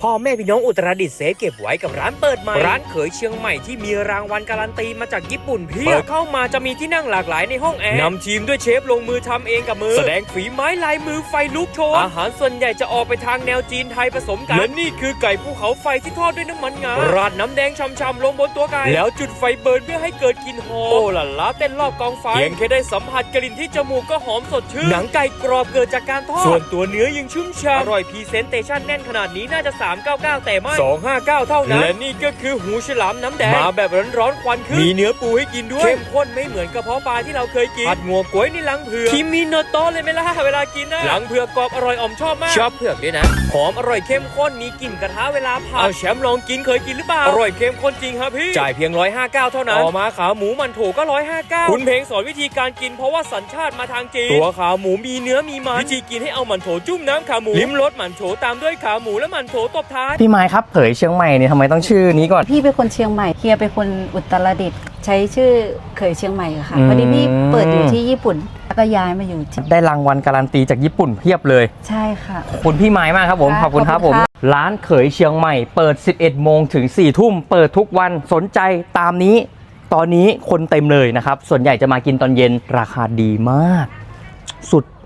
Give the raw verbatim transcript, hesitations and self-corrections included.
พ่อแม่พี่น้องอุตรดิตถ์เซฟเก็บไว้กับร้านเปิดใหม่ร้านเขยเชียงใหม่ที่มีรางวัลการันตีมาจากญี่ปุ่นเพียบเข้ามาจะมีที่นั่งหลากหลายในห้องแอร์นำทีมด้วยเชฟลงมือทำเองกับมือแสดงฝีไม้ลายมือไฟลุกโชนอาหารส่วนใหญ่จะออกไปทางแนวจีนไทยผสมกันและนี่คือไก่ภูเขาไฟที่ทอดด้วยน้ำมันงาราดน้ำแดงช่ำๆลงบนตัวไก่แล้วจุดไฟเบิร์นเพื่อให้เกิดกลิ่นหอมโอ้ล่ะล้าเต้นรอบกองไฟเพียงแค่ได้สัมผัสกลิ่นที่จมูกก็หอมสดชื่นหนังไก่กรอบเกิดจากการทอดส่วนตัวเนื้อยังชุ่มฉ่ำอร่อยพรีเซนเตชั่นแน่นขนาดนี้น่าจะสามร้อยเก้าสิบเก้าแต่ไม่สองร้อยห้าสิบเก้าเท่านั้นและนี่ก็คือหูฉลามน้ำแดงมาแบบร้อนๆควันขึ้นมีเนื้อปูให้กินด้วยเข้มข้นไม่เหมือนกระเพาะปลาที่เราเคยกินผัดงัวก๋วยนี่ลังเผือกคิมิโนโตะเลยไหมล่ะเวลากินนะลังเผือกกรอบอร่อยอ่อมชอบมากชอบเผือกด้วยนะหอมอร่อยเข้มข้นมีกลิ่นกระทะเวลาผัดเอาแชมป์ลองกินเคยกินหรือเปล่าอร่อยเข้มข้นจริงครับพี่จ่ายเพียงหนึ่งร้อยห้าสิบเก้าเท่านั้นต่อมาขาหมูมันโถก็หนึ่งร้อยห้าสิบเก้าคุณเพลงสอนวิธีการกินเพราะว่าสัญชาติมาทางจีนตัวขาหมูมีเนื้อมีมันวิธีกินให้เอามันโถจุ่มน้ำขาหมูลิ้มรสมันโถตามด้วยขาหมูและมันโถตบท้ายพี่ไม้ครับเผยเชียงใหม่เนี่ยทำไมต้องชื่อนี้ก่อนพี่เป็นคนเชียงใหม่เฮียเป็นคนอุตรดิตถ์ใช้ชื่อเขยเชียงใหม่ค่ะพอดีพี่เปิดอยู่ที่ญี่ปุ่นแล้วก็ย้ายมาอยู่ที่ได้รางวัลการันตีจากญี่ปุ่นเพียบเลยใช่ค่ะขอบคุณพี่ไม้มากครับผมขอบคุณครับผมร้านเขยเชียงใหม่เปิดสิบเอ็ดโมงถึงสี่ทุ่มเปิดทุกวันสนใจตามนี้ตอนนี้คนเต็มเลยนะครับส่วนใหญ่จะมากินตอนเย็นราคาดีมากสุด